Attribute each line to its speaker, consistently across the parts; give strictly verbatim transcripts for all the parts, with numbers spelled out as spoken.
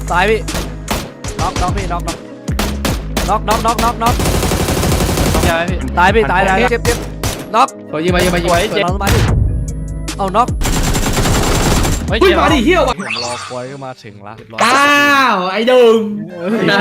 Speaker 1: ตายพี่น็อกน็อกพี่น็อกน็อกน็อกน็อกน็อกน็อกน็อกตายพี่ตายพี่ตายเจ็บเจ็บน็อก
Speaker 2: สวยยิงมายิงมายิงมา
Speaker 1: เจ็บน็อกมาดิเอาน็อก
Speaker 2: เฮ้ยมาดิเฮี้ยวว่ะ
Speaker 1: รอคอยก็มาถึงละ
Speaker 2: อ้าวไอ้ดุม
Speaker 1: ไม่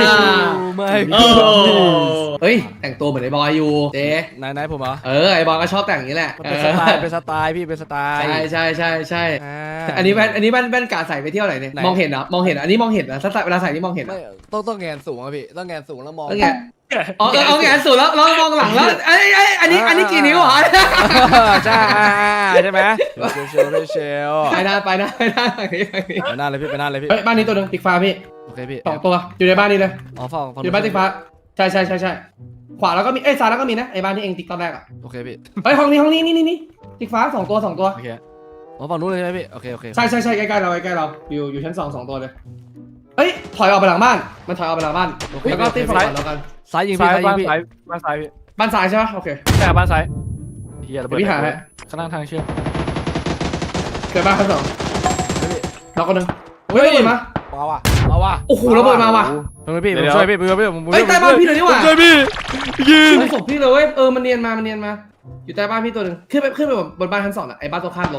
Speaker 2: เฮ้ยแต่งตัวเหมือนไอ้บอยอยู่เจ๊
Speaker 1: ไหนไหนผมเหรอ
Speaker 2: เออไอ้บอยก็ชอบแต่งอย่างนี้แหละ
Speaker 1: เป็นสไตล์เป็นสไตล์พี่เป็นสไตล์
Speaker 2: ใช่ใช่ใช่ใช่อันนี้แว่นอันนี้แว่นแว่นกาใส่ไปเที่ยวไหนเนี่ยมองเห็นเหรอมองเห็นอันนี้มองเห็นนะถ้าใส่เวลาใส่นี่มองเห็น
Speaker 1: ต้องต้องแงนสูงอะพี่ต้องแงนสูงแล้วมอง
Speaker 2: อ๋อเอาแงนสูงแล้วแล้วมองหลังแล้วไอ้ไอ้อันนี้อันนี้กี่นิ้วเหรอ
Speaker 1: ใช่ใช่ไหมเชลเชล
Speaker 2: ไปหน้าไปหน้าไปหน้า
Speaker 1: ไปหน้าเลยพี่ไปหน้าเลยพี่
Speaker 2: บ้านนี้ตัวนึงติ๊กฟ้าพี่
Speaker 1: โอเคพี่
Speaker 2: สองตัวอยู่ในบ้านนี้เลย
Speaker 1: อ๋อฝั่ง
Speaker 2: อยู่บ้านติ๊กฟ้าใช่ใช่ใช่ใช่ขวาแล้วก็มีเอ้ยซ้ายแล้วก็มีนะไอ้บ้านที่เองติ๊กตอนแรกอ่ะ
Speaker 1: โอเคพี่
Speaker 2: เฮ้ยห้องนี้ห้องนี้นี่นี่นี่ติ๊กฟ้าสองตัวสองตัว
Speaker 1: โอเคอ๋อฝั่งนู้นเลยใช่ไหมพี่โอเคโอเค
Speaker 2: ใช่ใช่ใช่ใกล้ๆเราใกล้ๆเราอยู่อยู่ชั้นสองสองตัวเลยเฮ้ยถอยออกไปหลังบ้านมันถอยออกไปหลังบ้านแล้วก็ติ๊กฝั่งแล้วกัน
Speaker 1: ซ้ายยิงพี่ซ้ายยิงพี่
Speaker 3: บ้านซ้ายพี่
Speaker 2: บ้านซ้ายใช่ไหมโอเค
Speaker 3: ใช่บ้านซ้ายเฮียระเบิด
Speaker 2: พี่หาให้
Speaker 3: ข้างล่างทางเชื่อม
Speaker 2: เกิดบ้านชั้นสองเราก็นึงเฮ้ยระเบิดมา
Speaker 1: มาว่ะมาว่ะ
Speaker 2: โอ้โหระเบิดมาว่ะ
Speaker 1: เฮ้ยพี่ผมช่วยพี่ผมช่วยพี่ผม
Speaker 2: เฮ้ยใต้บ้านพี่เลยนี่หว่า
Speaker 1: ช่วยพี่ยิง
Speaker 2: ศพพี่เลยเว้ยเออมันเนียนมามันเนียนมาอยู่ใต้บ้านพี่ตัวนึงขึ้นไปขึ้นไปบนบ้านชั้นสองอ่ะไอ้บ้านตัวข้ามล้ม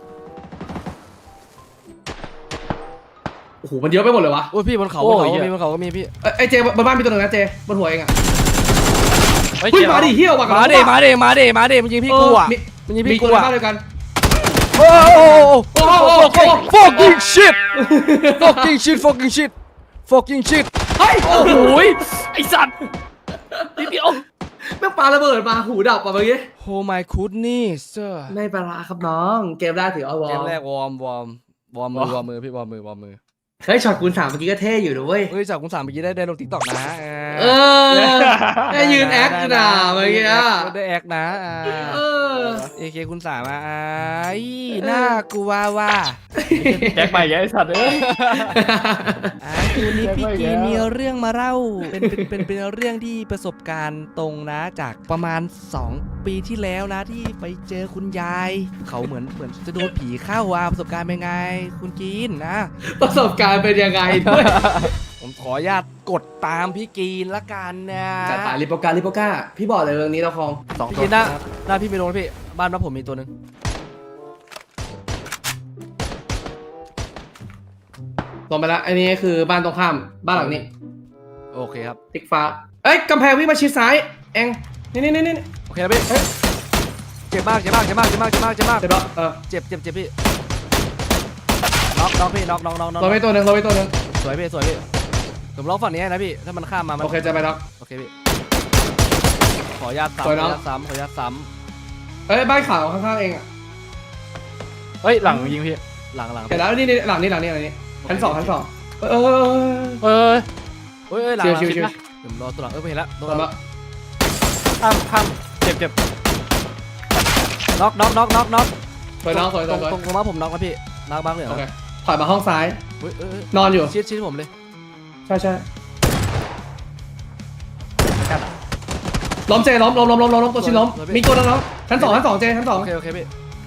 Speaker 2: โอ้โหมันเยอะไปหมดเลยวะ
Speaker 1: โอ้ยพี่บนเขาบนเขาก็มีบนเขาก็มีพี่
Speaker 2: ไอ้เจบนบ้านมีตัวนึงนะเจบนหัวเองอ่ะ
Speaker 3: เฮ้ย
Speaker 2: มาดิเฮี้ยวว่ะ
Speaker 1: มาดิมาดิมาดิมาดิมันยิงพี่กูอ่ะมันยิงพี่กูอ่ะ
Speaker 2: เดียวกัน
Speaker 1: โอ้โหโอ้โห fucking shit fucking shit fucking shit fucking shit
Speaker 2: เฮ้ยโอ้โห
Speaker 3: ไอสัตว์นิดเดียว
Speaker 2: แม่งปาระเบิดมาหูดับอ่ะเมื่อกี้
Speaker 1: Oh my goodness
Speaker 2: ไม่ปลาครับน้องเกมแรกถือเอาวอร์ม
Speaker 1: เกมแรกวอร์มวอร์มวอร์มมือวอร์มมือพี่วอร์มมือวอร์มมือ
Speaker 2: เฮ้ยช็อตคูณสามเมื่อกี้ก็เท่อยู่ด้วย
Speaker 1: เฮ้ยช็อตคูณสามเมื่อกี้ได้ได้ลงติ๊กต็อกนะ
Speaker 2: เออได้ยืนแอคนะเมื่อกี้
Speaker 1: ได้แอคนะ
Speaker 2: เออ
Speaker 1: เอเคคูณสามอ่ะน่ากลัวว่ะ
Speaker 3: แจ็คไปไอ้สัตว์เอ้ย
Speaker 1: คืนนี้พี่กีมีเรื่องมาเล่าเป็นเป็นเป็นเรื่องที่ประสบการณ์ตรงนะจากประมาณสองปีที่แล้วนะที่ไปเจอคุณยายเขาเหมือนเหมือนจะโดนผีเข้าอ่ะประสบการณ์เป็นไงคุณกีนนะ
Speaker 2: ประสบการณ์เป็นยังไงด้วย
Speaker 1: ผมขออนุญาตกดตามพี่กีนละกันนะ
Speaker 2: จัดไปริโปกาลิโปกาพี่บอกเลยเรื่องนี้เราคลอง
Speaker 1: สองตัวพี่หน้าหน้าพี่ไม่โดนพี่บ้านบ้านผมมีตัวหนึ่ง
Speaker 2: ลงไปแล้วอันนี้คือบ้านตรงข้ามบ้านหลังนี้
Speaker 1: โอเคครับ
Speaker 2: ติ๊กฟ้าเอ้ยกำแพงวิ่งมาชิดซ้ายเองนี่นี่นี่นี่
Speaker 1: โอเคพี่เจ็บมากเจ็บมากเจ็บมากเจ็บมากเจ็บมากเจ็บมาก
Speaker 2: เจ็บแล้วเออ
Speaker 1: เจ็บเจ็บเจ็บพี่น็อกน็อกพี่น็อกน็อกน็อกน็อก
Speaker 2: เราไปตัวหนึ่งเราไปตัวหนึ่ง
Speaker 1: สวยพี่สวยพี่ผมล็อกฝั่งนี้นะพี่ถ้ามันข้ามมา
Speaker 2: โอเคจะไปน็อก
Speaker 1: โอเคพี่ขอญาตซ้ำขอญาตซ้ำขอญาตซ้
Speaker 2: ำเอ้ยบ้านขาวข้างๆเองอ่ะ
Speaker 3: เฮ้ยหลังยิงพี่
Speaker 1: หลังหลัง
Speaker 2: เห็นแล้วนี่นี่หลังนี่หลังนี่หลังนี่ชั้นสองชั้นสองเออเออ
Speaker 3: เออ
Speaker 1: เฮ้ยหลังชิวชิวผมรอตัวหลังเออไปเห็นแล้วตัวหลัง
Speaker 3: ข้ามข้ามเจ็บเจ็บ
Speaker 1: น็อกน็อกน็อกน็อกน็อก
Speaker 2: สวยน้องสวยสวย
Speaker 1: ตรงตรงมาผมน็อกแล้วพี่น็อกบ้างเลยเหรอ
Speaker 2: ถอยมาห้องซ้ายนอนอยู่
Speaker 1: ชิดชิดผมเลย
Speaker 2: ใช่ใช่ล้มเจล้มล้มล้มล้มล้มตัวชิ้นล้มมีตัวแล้วชั้นสองชั้นสองเจชั้นสอง
Speaker 1: โอเคโอเคพี่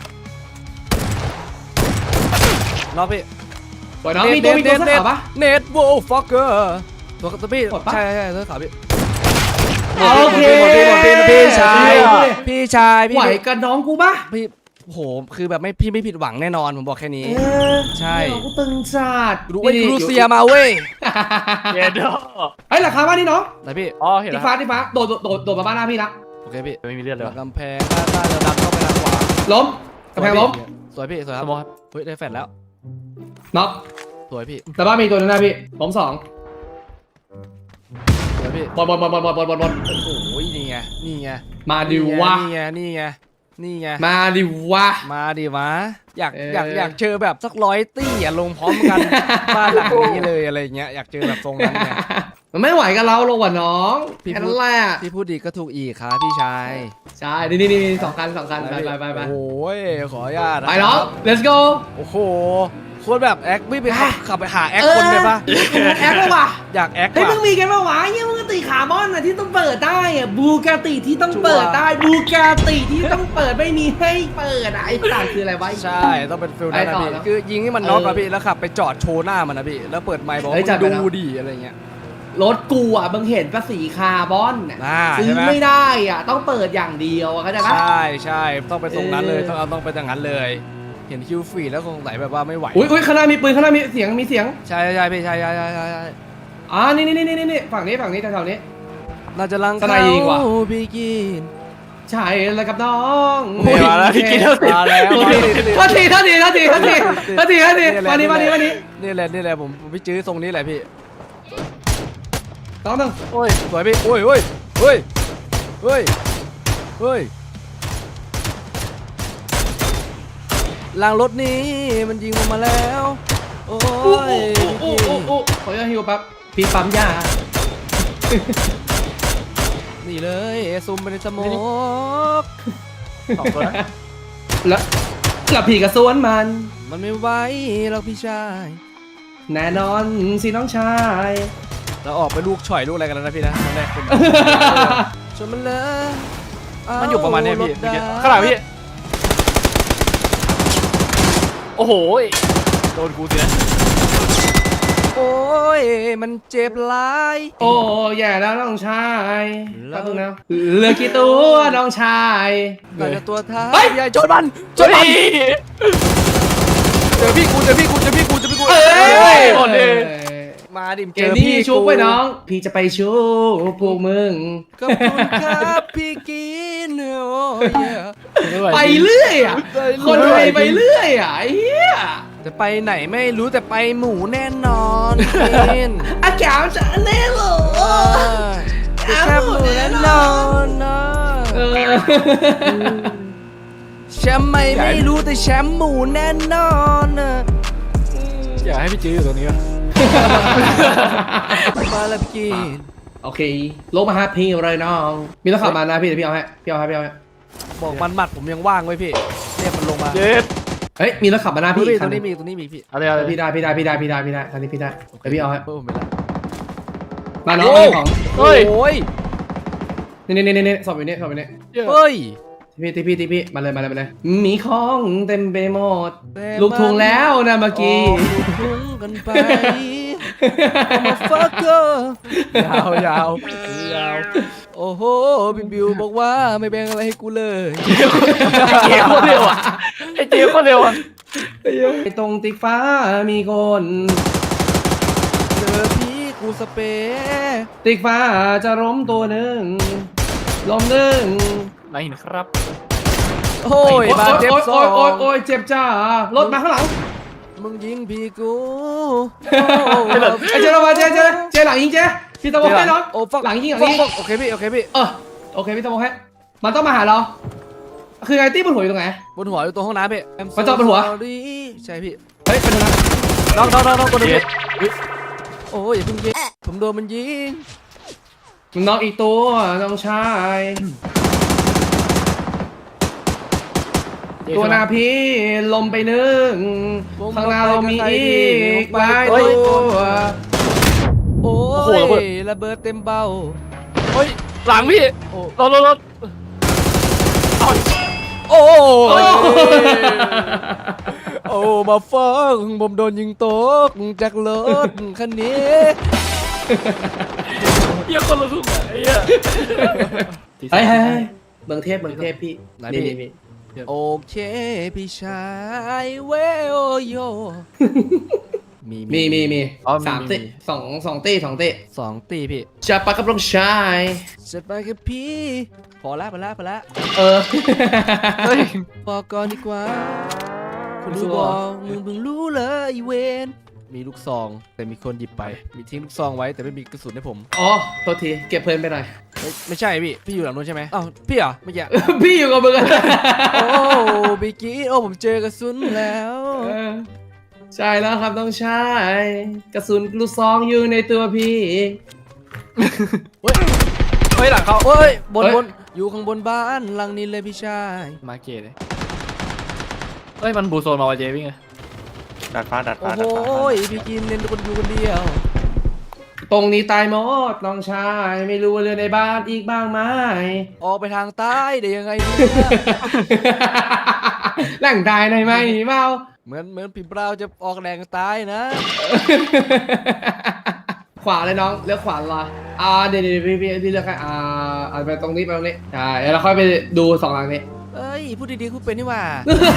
Speaker 1: น็อกพี่
Speaker 2: สวยน้องมีตัวมีตัวเสื้อขาวปะ
Speaker 1: เน็ตโวฟ็อกเกอร์ตัวตัวพี่ใช่ใช่เสื้อขาวพี่
Speaker 2: โอเค
Speaker 1: พี่ชายพี่ชายพี่
Speaker 2: ไหวกับน้องกูปะ
Speaker 1: พี่โหคือแบบไม่พี่ไม่ผิดหวังแน่นอนผมบอกแค่นี้ใช่
Speaker 2: กูตึงจัด
Speaker 1: รู้ไอ้รูเซียมาเว้ย
Speaker 3: เย็ดดอ
Speaker 2: ไอ้หลังคาบ้านนี่น้อง
Speaker 1: ไหนพี่
Speaker 3: อ๋อเห็นแล้ว
Speaker 2: ที่ฟ้าที่ฟ้าโดดโดดโดดมาบ้านหน้าพี่ละ
Speaker 1: โอเคพี่
Speaker 3: ไม่มีเลือดเลย
Speaker 1: กำแพงด้านซ้ายแล้วดันเข้าไปทางขวา
Speaker 2: ล้มกำแพงล้ม
Speaker 1: สวยพี่สวยครับเฮ้ยได้แฟนแล้ว
Speaker 2: น็อก
Speaker 1: สวยพี่
Speaker 2: แต่บ้านมีตัวนึงนะพี่ล้มสอง
Speaker 1: สวยพี่
Speaker 2: บอลบอลบอลบอลบอลบอลบอลบอล
Speaker 1: โอ้ยนี่ไงนี่ไง
Speaker 2: มาดิวะ
Speaker 1: นี่ไงนี่ไงนี่ไง
Speaker 2: มาดิวะ
Speaker 1: มาดิวะอยากอยากอยากเจอแบบสักร้อยตี้อ่ะลงพร้อมกันบ้านหลังนี้เลยอะไรเงี้ยอยากเจอแบบทรงนั้นเนี่ย
Speaker 2: มันไม่ไหวกับเราลงว่ะน้องพี่พูดแหละ
Speaker 1: พี่พูดดีก็ถูกอีกครับพี่ชาย
Speaker 2: ใช่นี่นี่นี่สองคันสองคันไปไปไปไป
Speaker 1: โอ้ยขออนุญาต
Speaker 2: ไปน้อง let's go
Speaker 1: โอ้โหโคตรแบบแอคไม่ไปขับไปหาแอคคนเลยปะ
Speaker 2: แอคป่ะ
Speaker 1: อยากแอค
Speaker 2: เฮ้ยมึงมีกันป่ะวะยังมึงติคาร์บอนนะที่ต้องเปิดได้อะบูกาติที่ต้องเปิดได้บูกาติที่ต้องเปิดไม่มีให้เปิดอะไอ้ต่างคืออะไรวะ
Speaker 1: ใช่ต้องเป็นฟิลนั้นนะ
Speaker 2: ไปต่อ
Speaker 1: พี่
Speaker 2: แล้ว
Speaker 1: คือยิงให้มันน็อกอะ
Speaker 2: เออ
Speaker 1: พี่แล้วขับไปจอดโชว์หน้ามันนะพี่แล้วเปิดไมค์บอก
Speaker 2: เฮ้ยจัดไป
Speaker 1: ว่า
Speaker 2: แล้ว
Speaker 1: ดูดีอะไรเงี้ย
Speaker 2: รถกูอ่ะมึงเห็นภาษีคาร์บอนน่ะ
Speaker 1: อ่า
Speaker 2: ซื้
Speaker 1: ใช่
Speaker 2: อ
Speaker 1: ไหม
Speaker 2: ไม่ได้อ่ะต้องเปิดอย่างเดียวอะเข้าใจปะ
Speaker 1: ใช่ใช่ต้องไปตรงนั้นเลย
Speaker 2: เออ
Speaker 1: ต้องเอาต้องไปอย่างนั้นเลย เห็นคิวฟรีแล้วคงไหลแบบว่าไม่ไหว
Speaker 2: อุ้ยอุ้ยข้างหน้ามีปืนข้างหน้ามีเสียงมีเสียง
Speaker 1: ใช่ใช่พี่ใช่ใช่ใช่ใช่ใช่
Speaker 2: อ่านี่นี่นี่นี่นี่ฝั่งนี้ฝั่งนี้แถวๆนี้
Speaker 1: เราจะลัง
Speaker 2: สไนยิงว่ะ
Speaker 1: พี่กิน
Speaker 2: ใช่แล้วกับน้อง
Speaker 3: โอ้ยมาแล้วพี่กินแล้วสิ
Speaker 1: มาแล้ว
Speaker 2: โทษทีโทษทีโทษทีโทษทีโทษทีโทษทีมานี่มานี่มานี่
Speaker 1: นี่แหละนี่แหละผมผมพี่จื้อทรงนี้แหละพี่
Speaker 2: น้องหนึ่ง
Speaker 1: โอ้ยสวยพี่โอ้ยโอ้ยเฮ้ยเฮ้ยเฮ้ยลางรถนี้มันยิงผมมาแล้วโอ้
Speaker 2: อู้
Speaker 1: ย
Speaker 2: อู้อู้อู้อู้ขออนุญาตฮิวแป๊บพี่ปั๊มยา
Speaker 1: นี่เลยซูมไปในสโมก
Speaker 3: สองตัวนะ
Speaker 2: แล้วแล้วพี่กระสวนมัน
Speaker 1: มันไม่ไหวหรอกพี่ชาย
Speaker 2: แน่นอนสิน้องชาย
Speaker 1: เราออกไปลูกฉ่อยลูกอะไรกันแล้วนะพี่นะตอนแรกคนชวนมันเลย
Speaker 3: มันอยู่ประมาณเนี้ยพี่
Speaker 1: เอ
Speaker 3: เมื่อกี้
Speaker 1: รถด
Speaker 3: ข้างหลังพี่โอ้โหโดนกูเสีย
Speaker 1: โอ้ยมันเจ็บหลาย
Speaker 2: โอ้แย่แล้วน้องชาย
Speaker 1: แล้
Speaker 2: แป๊
Speaker 1: ว
Speaker 2: บนึงนะเหลือกี่ตัวน้องชาย
Speaker 1: เราจะตัวท้า
Speaker 2: เฮ้ย
Speaker 1: ใหญ่โจนมันโจ
Speaker 3: เฮ้
Speaker 1: นมัน
Speaker 3: ย
Speaker 1: เจอพี่กูเจอพี่กูเจอพี่กูเจอพี่กู
Speaker 2: เอ้
Speaker 3: เฮ้
Speaker 2: ย
Speaker 3: ยหมดเลย
Speaker 1: มาดิ
Speaker 2: เกมนี้ชุบไปน้อง พี่จะไปชุบพวกมึง
Speaker 1: ขอบคุณครับพี่กินโอ้ย
Speaker 2: ไปเรื่อยอ่ะ คนไทยไปเรื่อยอ่ะไอ้เหี้ย
Speaker 1: จะไปไหนไม่รู้แต่ไปหมูแน่นอนกิน
Speaker 2: อากาศจะแน่เหรอ
Speaker 1: เออจะแค่หมูแน่นอนนะ
Speaker 2: เออ
Speaker 1: แชมป์ไม่ไม่รู้แต่แชมป์หมูแน่นอนนะ
Speaker 3: อยากให้พี่จื้ออยู่ตรงนี้วะ
Speaker 1: มาแล้วพี่กิน
Speaker 2: โอเคลงมาหาพี่เลยน้อง มีต้องขับมานะพี่เดี๋ยวพี่เอาให้พี่เอาให้พี่เอาให้
Speaker 1: บอกมันหมัดผมยังว่างไว้พี่เรียกมันลงมา
Speaker 3: เย็ด
Speaker 2: เฮ้ยมีรถขับมาหน้า
Speaker 1: พี่
Speaker 2: พี่
Speaker 1: ต
Speaker 2: คั
Speaker 1: ร
Speaker 2: น
Speaker 1: ง
Speaker 2: ห
Speaker 1: นี้
Speaker 2: ง
Speaker 1: มีตรงนี้มีพี่
Speaker 3: เอาเลยเอาเลย
Speaker 2: พี่ได้พี่ได้พี่ได้พี่ได้พี่ได้คันนี้พี่ได้เดี๋ยวพี่เอาให้
Speaker 1: เพิ่มผมไปแล้ว
Speaker 2: มาน้องเอาของ
Speaker 3: เฮ้ย
Speaker 1: โอ้ย
Speaker 2: นี่นี่นี่นี่สอบอยู่นี่สอบอยู่นี่
Speaker 1: เฮ้ย
Speaker 2: พี่ที่พี่ที่พี่มาเลยมาเลยมาเลยมีของเต็มไปหมด
Speaker 1: แต่
Speaker 2: ลูกทุงแล้วนะเมื่อกี้
Speaker 1: ออกลูกทุ่งกันไปมาฟักเกอร์ยาวยาวยาวโอ้โหบิวบิวบอกว่าไม่แบ่งอะไรให้กูเลย
Speaker 3: ไอ้เจ๊โคตรเร็วอ่ะไอ้เจ๊โคตรเร็วอ่ะ
Speaker 2: ไอ้ตรงติ๊กฟ้ามีคน
Speaker 1: เจอพี่กูสเปรย์
Speaker 2: ติ๊กฟ้าจะล้มตัวหนึ่งล้มหนึ่ง
Speaker 3: ไหนเห็นครับ
Speaker 1: โอ้ยบาดเจ็บสอ
Speaker 2: โอ้ยโอ้ย
Speaker 1: ง
Speaker 2: โอ้ยเจ็บจ้ารถมาข้างหลัง
Speaker 1: มึงยิงพี่กู
Speaker 2: ไอ้เจ๊เรามาเจ๊เจ๊เจ๊หลังยิงเจ๊พี่ตะโมให้น้อง
Speaker 1: โอ้ฟัก
Speaker 2: หลังยิงหลัง
Speaker 1: ฟัก
Speaker 2: ยิง
Speaker 1: ฟักโอเคพี่โอเคพี่
Speaker 2: เออโอเคพี่ตะโมให้มันต้องมาหาเรา คือไงตี้บนหัวอยู่ตรงไหน
Speaker 1: บนหัวอยู่ตรงห้องน้ำพี่ I'm so
Speaker 2: มันจอดบนหัว
Speaker 1: sorry ใช่พี่
Speaker 2: เฮ้ยเป็นยังไง
Speaker 1: น้องน้องน้องน้องคนนึง
Speaker 3: เย็ด
Speaker 1: โอ้ยอย่าเพิ่งยิงผมโดนมันยิง
Speaker 2: มันน้องอีกตัวน้องชาย ตัวหน้าพี่ลมไปหนึ่งข้างหน้าเรามีอีกหลายตัว
Speaker 1: โอ้
Speaker 3: โอ้โหระเบิด
Speaker 1: ยระเบิดเต็มเบ้า
Speaker 3: เฮ้ยหลังพี่
Speaker 1: โอ้
Speaker 3: รถรถรถเอา
Speaker 1: โอ้
Speaker 2: โอ้
Speaker 1: ยโอ้มาฟังผมโดนยิงตกจากรถคันนี้
Speaker 3: เหี้ยคนละทุ่งอ่ะไอ้เหี้ย
Speaker 2: เฮ้ยเฮ้ยเฮ้ยเมืองเทพเมืองเทพพี่
Speaker 1: ไหน
Speaker 2: นี่
Speaker 1: พี่
Speaker 2: นี่
Speaker 1: โอเคพี่ชายเวโอโยมี
Speaker 2: มีมีมี
Speaker 3: อ๋อ
Speaker 2: สามเต้สองสองเต้สองเต้
Speaker 1: สองตีพี่
Speaker 2: จะปะกับลงชาย
Speaker 1: จะไปกับพี่ พอละพอละพอละ
Speaker 2: เออ
Speaker 3: เฮ้ย
Speaker 1: บอกก่อนดีกว่าคุณ
Speaker 2: รู้
Speaker 1: รู้
Speaker 2: เหร
Speaker 1: บ
Speaker 2: อ
Speaker 1: อกมึงเพิ่งรู้เลยอีเวนมีลูกซอง แต่มีคนหยิบไป มีทิ้งลูกซองไว้แต่ไม่มีกระสุนให้ผม
Speaker 2: อ๋อโทษทีเก็บเพลินไปหน่อย
Speaker 1: เอ้ยไม่ใช่พี่ พี่อยู่หลังนู้นใช่ไหมอ้าวพี่เหรอเมื่อกี้
Speaker 2: พี่อยู่กับมึงอะ
Speaker 1: โอ้บิกกี้โอ้ผมเจอกระสุนแล้ว
Speaker 2: เออใช่แล้วครับต้องใช้กระสุนลูกซองอยู่ในตัวพี่
Speaker 1: เฮ้ย
Speaker 3: เฮ้ยหลังเขา
Speaker 1: โอ้ยบน
Speaker 2: เฮ้ย
Speaker 1: บนอยู่ข้างบนบ้านหลังนี้เลยพี่ชาย
Speaker 3: มาเกตเลยเฮ้ยมันบูโซนมาวะเจ๊วิ่งไง
Speaker 4: ดัดฟ้าดัด
Speaker 1: โอ้
Speaker 4: ฟ้า
Speaker 1: โห
Speaker 4: ดัดฟ้า
Speaker 1: พี่กินเล่นคนอยู่คนเดียว
Speaker 2: ตรงนี้ตายหมดน้องชายไม่รู้ว่าเรือในบ้านอีกบ้างไหม
Speaker 1: ออกไปทางใต้ได้ยังไงเนี่ย
Speaker 2: แหล่งตายในไหมเมา
Speaker 1: เหมือนเหมือนพี่เปล่าจะออกแรงใต้นะ
Speaker 2: ขวาเลยน้องเลือกขวาละอ่าเดี๋ยวเดี๋ยวพี่พี่พี่เลือกให้อ่าเอาไปตรงนี้ไปตรงนี้ใช่แล้วเราค่อยไปดูสองหลังนี้
Speaker 1: เอ้ยพูดดีๆคุณเป็นนี่หว่า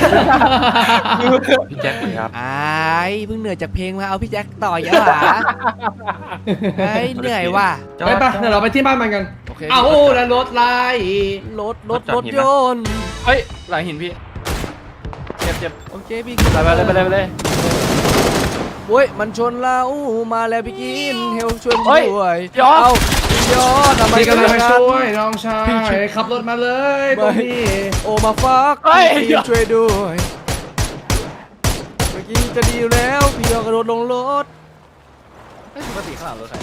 Speaker 3: พี่แจ็คครับ
Speaker 1: ไอ้เพิ่งเหนื่อยจากเพลงมาเอาพี่แจ็คต่อยะหรอไอ้ยเหนื่อยว่ะ
Speaker 2: ไปไปเดี๋ยวเราไปที่บ้านมันกัน
Speaker 1: โอเค
Speaker 2: เอาแล้วรถไล่
Speaker 1: รถรถรถยนต์
Speaker 3: เฮ้ยหลังหินพี่เจ็บเจ็บ
Speaker 1: โอเคพี่
Speaker 3: ไปไปเลยไปเลยไปเลย
Speaker 1: โว้ยมันชนเรามาแล้วพี่กินเฮลช่วยผม
Speaker 3: เฮ้ย
Speaker 1: ด้วย
Speaker 3: ยอด
Speaker 1: เอายอดทำไม
Speaker 2: พี่กำลัง
Speaker 1: เป็
Speaker 2: ไป
Speaker 1: นอย่าง
Speaker 2: ช่
Speaker 1: นั้น
Speaker 2: วยน้องชายขับรถมาเลยตรงนี้
Speaker 1: โอมาฟัก
Speaker 3: เฮ้ย
Speaker 1: พี่ช่วยด้วยเมื่อกี้จะดีอยู่แล้วพี่ยอกระโดดลงรถ
Speaker 3: เฮ้ยปกติข้างหลังรถใคร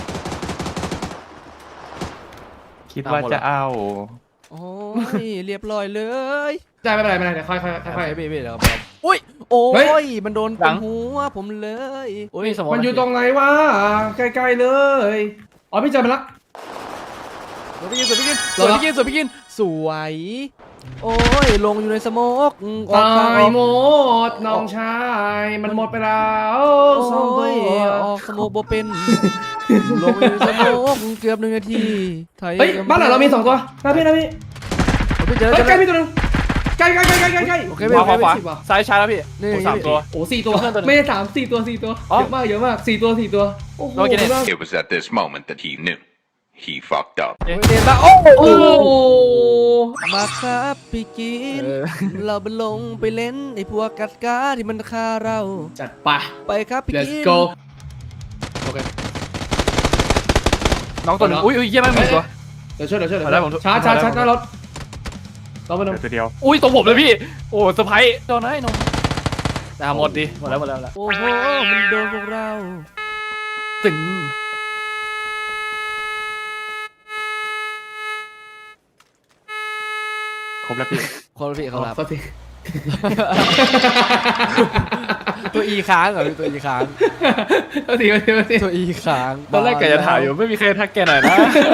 Speaker 4: คิดว่าจะเอา
Speaker 1: โอ้ยเรียบร้อยเลย
Speaker 2: ใช่ไม่เป็นไรไม่เป็นไรเดี๋ยวค่อยค่อย
Speaker 1: ค่
Speaker 2: ค่
Speaker 1: อ
Speaker 2: อย ย
Speaker 1: ๆพี่พี่เดี๋ยวครับอุ้ยโอ้
Speaker 2: เฮ้
Speaker 1: ย
Speaker 2: ย
Speaker 1: มันโดนตรงหัวผมเลยโอ้ย
Speaker 3: มีสมอง
Speaker 2: มันอยู่ตรงไหนวะใกล้ๆเลยอ๋อพี่เจอมันละ
Speaker 1: สวยพี่กินสวยพี่กินส
Speaker 2: รอ
Speaker 1: วย
Speaker 2: ละ
Speaker 1: พี่กินสวยพี่กินสวยโอ้ยลงอยู่ในสโมกอืมออก
Speaker 2: ตา
Speaker 1: ทางออก
Speaker 2: ยหมดน้องชายมันหมดไปแล้ว
Speaker 1: โอ้
Speaker 2: สองตั
Speaker 1: ยว ออกสโมกบ่เป็นลงอยู่ในสโมกเกือบหนึ่งนาทีไทย
Speaker 2: เฮ้ยบ้านหลังเรามีสองตัวนะพี่นะพี่
Speaker 1: พี่เจอ
Speaker 2: เฮ้ย
Speaker 1: เจอ
Speaker 2: ใกล้พี่ตัวหนึงใกล้ใกล้ใกล้ใกล้ใกล้ใกล้
Speaker 1: โอเค
Speaker 3: ขวาขวาขวา
Speaker 2: สิบว่ะ
Speaker 3: ซ้ายช้าแล้วพี่
Speaker 1: นี่
Speaker 3: โอ้สามตัว
Speaker 2: โอ้สี่ตัว
Speaker 3: เพื่อนตัวหนึ่ง
Speaker 2: ไม่ใช่สามสี่ตัวสี่ตัว
Speaker 3: อ๋อ
Speaker 2: เยอะมากเยอะมากสี่ตัวสี่ตัวโอ้โห
Speaker 3: โอเคเนี่ย
Speaker 2: มาก
Speaker 5: It was at this moment that he knew. He fucked up.
Speaker 1: เรียนมาโอ้
Speaker 2: โอ้โห
Speaker 1: มาครับพี่กิน
Speaker 3: เออ
Speaker 1: เราไปลงไปเล่นไอ้พวกกัดกาที่มันฆ่าเรา
Speaker 2: จัดไป
Speaker 1: ไปครับพี่
Speaker 2: let's
Speaker 1: กิน
Speaker 2: go โอเค
Speaker 3: น้องตัวหนึงอุ้ยอุ้ยเยี่ยมมากมีอีกตัว
Speaker 2: เดี๋ยวช่วยเดี๋ยวช่วยเดี๋ยว
Speaker 3: มาแล้วผม
Speaker 2: ชาร์จชาร์จ
Speaker 3: มาแล้ว
Speaker 2: ชาร์จหน้ารถรอมาหนึ่ง
Speaker 4: เดี๋ยวตัวเดียว
Speaker 3: อุ้ยตรงผมเลยพี่โอ้เซอร์ไพรส์โดนนะไอ้นนท์แต่หมดดิหมดแล้วหมดแล้วหมดแล้ว
Speaker 1: โอ้โหมันโดนพวกเรา
Speaker 3: ตึง
Speaker 4: ครบแล้วพี่
Speaker 1: คนละพี่เขารับ
Speaker 2: โทษที
Speaker 1: ตัวอีค้างเหรอพี่ตัวอีค้าง
Speaker 2: โทษทีโทษทีโทษที
Speaker 1: ตัวอีค้าง
Speaker 3: ตอนแรกแกจะถามอยู่ไม่มีใครทักแกหน่อยนะ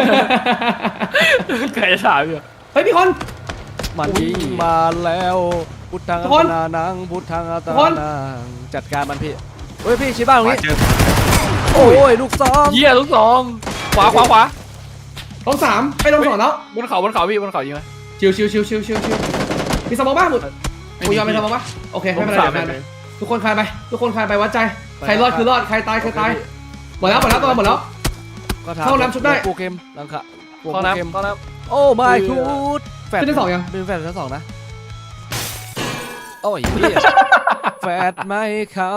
Speaker 3: แกจะถามอยู่
Speaker 2: เฮ้ยมีคน
Speaker 1: มันยิงมาแล้วพุทธัง
Speaker 2: ทุ
Speaker 1: อั
Speaker 2: กคน
Speaker 1: ตนานังพุทธังอัต
Speaker 2: ทุกคน
Speaker 1: นานังจัดการมันพี่เฮ้ยพี่ชี้บ้านตรง
Speaker 4: มา
Speaker 1: นี้
Speaker 4: เจอ
Speaker 1: โอ้ยลูกซอง
Speaker 3: เยี่ยลูกสองขวาขวาขวา
Speaker 2: ลงสามไปลงสองแล้ว
Speaker 3: บนเขาบนเขาพี่บนเขายิงไหม
Speaker 2: ชิวชิวชิวชิวชิวชิวมีสมองบ้างหมดกูยอมไปสมองบ้างโอเคไม่เป็นไร
Speaker 3: ผมสาม
Speaker 2: ไม่เป็นไร
Speaker 3: เลย
Speaker 2: ทุกคนคลายไปทุกคนคลายไปวัดใจใครรอดคือรอดใครตายคือตายหมดแล้วหมดแล้วตัวหมดแล้ว
Speaker 1: ก็ถาม
Speaker 2: เข้าน้ำชุบได้
Speaker 1: โปรเกมลังคะโปร
Speaker 3: เข้า
Speaker 1: เกม
Speaker 3: น้ำเข้าน้
Speaker 1: โอ้ไม่ทูดแฟด
Speaker 2: ขึ้นที่สองยัง
Speaker 1: เป็นแฟดชั้นสองนะโอ้ยเหี้ยแฟดไม่เข้า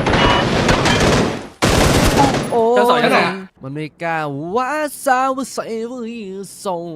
Speaker 1: โอ้ยมันไม่กล้าว่าสาวใส่วิส่ง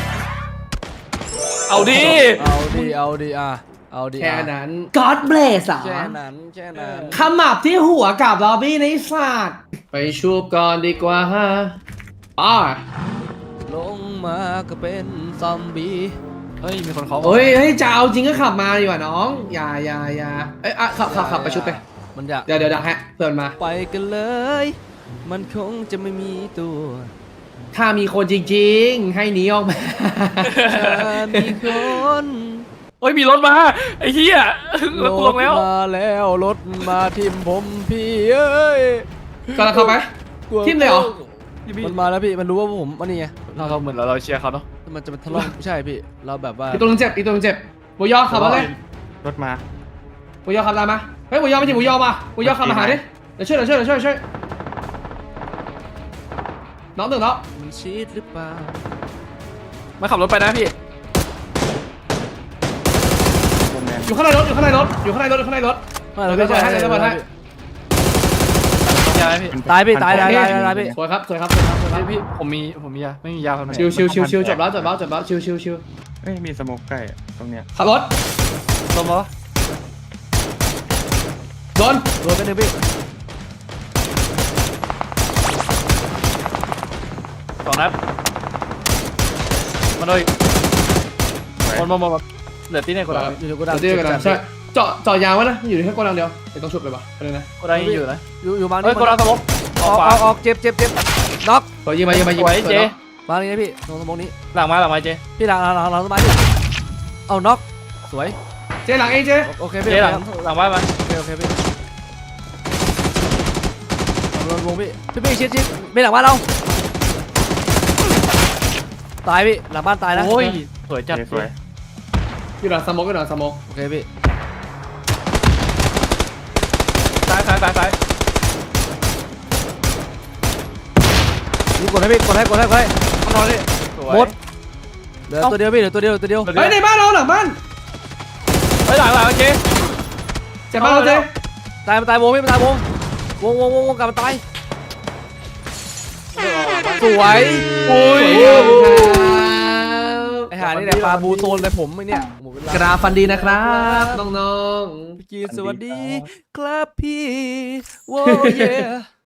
Speaker 3: ำเอาดิ
Speaker 1: เอาดิเอาดิอ่ะเอาดิ
Speaker 2: แค่
Speaker 1: อ่ะ
Speaker 2: นั้น God bless อ่ะ
Speaker 1: แค่นั้นแค่นั้น
Speaker 2: ขมับที่หัวกับลอบบี้ในศาสตร์ไปชูบก่อนดีกว่าฮะอ่า
Speaker 1: ลงมาก็เป็นซอมบี้
Speaker 3: เฮ้ยมีคนเขา
Speaker 2: เฮ้ยเฮ้ยจะเอาจริงก็ขับมาดีกว่าน้องอย่าอย่าอย่าเอ้ยอ่ะขับขับขับไปชุบไป
Speaker 1: มันอยาก
Speaker 2: เดี๋ยวเดี๋ยวดักฮะเพื่อนมา
Speaker 1: ไปกันเลย มันคงจะไม่มีตัว
Speaker 2: ถ้ามีคนจริงๆ ให้หนีออกมา
Speaker 1: ถ้ามีคน
Speaker 3: เฮ้ยมีรถมาไอ้เหี้ยรถตวงแล้ว
Speaker 1: มาแล้วรถมาทิมผมพี่เอ้ย
Speaker 2: ก็แล้วเข้าไป
Speaker 1: กลัว
Speaker 2: ทิ่มเลยเหรอ
Speaker 1: มันมาแล้วพี่มันรู้ว่าผมมันนี่ไง
Speaker 3: เราเราเหมือนเราเราเชียร์เขาเนาะ
Speaker 1: มันจะเป็นทะเลาะไม่ใช่พี่เราแบบว่า
Speaker 2: อีกตัวหนึงเจ็บอีกตัวหนึงเจ็บหมูยอขับมาเลย
Speaker 4: รถมา
Speaker 2: หมูยอขับตามมาเฮ้ยหมูยอไม่ใช่หมูยอมาหมูยอขับมาหาดิเดี๋ยวช่วยเดี๋ยวช่วยเดี๋ยวช่วยช่วยน้องหนึ่งแล้ว
Speaker 1: มันชีดหรือเปล่า
Speaker 3: มาขับรถไปนะพี่
Speaker 4: วงแดง
Speaker 2: อยู่ข้างในรถอยู่ข้างในรถอยู่ข้างในรถอยู่ข้างในรถ
Speaker 1: ไม่เรา
Speaker 2: เดี๋
Speaker 1: ไม่
Speaker 2: ยว
Speaker 1: ใช่
Speaker 2: เดี๋ยวเดี๋ยวเดี๋ยว
Speaker 3: ยาไหมพี่
Speaker 1: ตายพี่ตายตายตายตายพี่
Speaker 2: สวยครับสวยครับสวยครับสวยครับ
Speaker 3: พี่พี่ผมมีผมมียาไม่มียาครับ
Speaker 2: ชิวชิวชิวชิวจบแล้วจบแล้วจบแล้วชิวชิวชิว
Speaker 4: เอ้ยมีสโมกใกล้อะตรงเนี้ย
Speaker 2: ขับรถ
Speaker 3: ต้มเหรอ
Speaker 2: โดน
Speaker 1: โดนไปหนึ่งพี่
Speaker 3: สองนัดมาเลยหมดหมดหมดหมดเหลือตีเนี่ยคนละ
Speaker 1: อยู่ในกูดัง
Speaker 2: เดี๋ยวเดี๋ยวกันนะใช่เจาะเจาะยางไว้นะอยู่ในแค่กดังเดียวเดี๋ยวต้องชุบเลยปะไปเลยนะ
Speaker 3: คนละยังอยู่นะ
Speaker 1: อยู่อยู่มา
Speaker 3: เฮ้ยคนละสมองอ
Speaker 1: อ
Speaker 3: อ
Speaker 1: อก ก
Speaker 3: ขวา
Speaker 1: ออกออกเจ็บเจ็บเจ็บน็อก
Speaker 2: ขอยิงมายิงมายิง
Speaker 3: สว
Speaker 2: มาย
Speaker 3: เจ
Speaker 1: มาเลยนะพี่ตรงสมองนี้
Speaker 3: หลังมาหลังมาเจ
Speaker 1: พี่หลังหลังหลังหลังต้นไม้พี่เอาน็อกสวย
Speaker 2: เจหลังเองเจ
Speaker 1: โอเค
Speaker 3: เจ
Speaker 1: พี่
Speaker 3: หลังหลังบ้านมา
Speaker 1: โอเคโอเคพี่ลงวงพี่พี่พี่ชิดชิดไม่หลังบ้านเราตายพี่หลังบ้านตายนะ
Speaker 3: โอ้ยสวยจัด
Speaker 4: เจสวย
Speaker 2: อยู่หลังสโมกอยู่หลังสโมก
Speaker 1: โอเคพี่
Speaker 3: ซ้ายซ้ายซ้ายซ้าย
Speaker 1: นี่กดให้พี่กดให้กดให้กดให้
Speaker 3: ข้างนอกนี่สวย
Speaker 1: หมดเหลือตัวเดียวพี่เหลือตัวเดียวตัวเดียว
Speaker 2: เฮ้ยในบ้านเราหลังบ้าน
Speaker 3: เฮ้ยหลังหลังเจ
Speaker 2: เจ็บบ้านเราเจ
Speaker 1: ตายมันตายวงพี่มันตายวงวงวงวงวงกลับมันตายสวย
Speaker 3: โอ้ย
Speaker 1: ไอหานี่แหละปลาบูโซนเลยผมไอเนี่ยหมดเวลาก
Speaker 2: ราฟันดีนะครับน้อง
Speaker 1: พี่กีสวัสดีครับพี่โว้เย่